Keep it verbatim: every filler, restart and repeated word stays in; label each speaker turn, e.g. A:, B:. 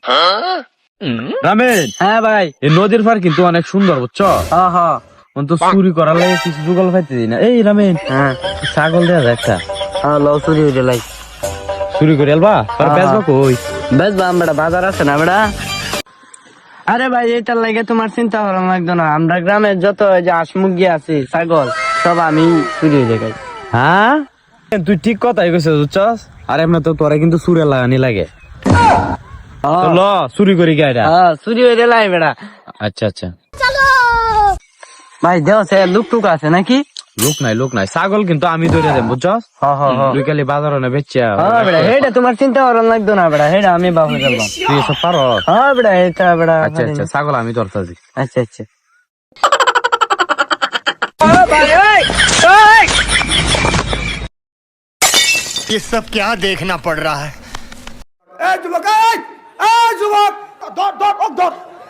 A: Ramen,
B: হ্যাঁ ভাই।
A: এই নদীর পার কিন্তু অনেক সুন্দর, বুঝছো?
B: হ্যাঁ হ্যাঁ
A: তো চুরি করার লাগে কিছু জোগাল পাইতে দিই না। এই রামেন,
B: হ্যাঁ
A: ছাগল দেয়া যায় একটা,
B: হ্যাঁ লও চুরি হইলে লাই
A: চুরি করে আলবা আর
B: হ্যাঁ,
A: বেচবা কই?
B: বেশ বাম বেটা, বাজার আছে না বেটা? আরে ভাই এটার লাগে তোমার চিন্তা করা লাগতো না। আমরা গ্রামের যত ওই যে হাঁস মুরগি আছে, ছাগল, সব আমি চুরি হয়ে যাই।
A: হ্যাঁ, তুই ঠিক কথাই কইছিস, বুঝছস? আর এমনি তো তোরা কিন্তু চুরে লাগানি লাগে। তো ল চুরি করি গাইরা।
B: হ্যাঁ চুরি হয়ে লাই বেটা।
A: আচ্ছা আচ্ছা,
B: ভাই দেও সে লুক টুক আছে নাকি?
A: লোক নাই লোক নাই, ছাগল কিন্তু আমি ধরে দেব, বুঝছস?
B: হ্যাঁ হ্যাঁ হ্যাঁ
A: তুই খালি বাজার না বেচা।
B: হ্যাঁ বেটা, হেটা তোমার চিন্তা করা লাগতো না বেটা, হেটা আমি বাবু করলাম।
A: তুই এসব পারো?
B: হ্যাঁ বেটা, এটা বেটা।
A: আচ্ছা আচ্ছা, ছাগল আমি ধরতাছি।
B: আচ্ছা আচ্ছা।
C: ये सब क्या देखना पड़ रहा है।
D: ए जुबक, ए जुबक, धर धर धर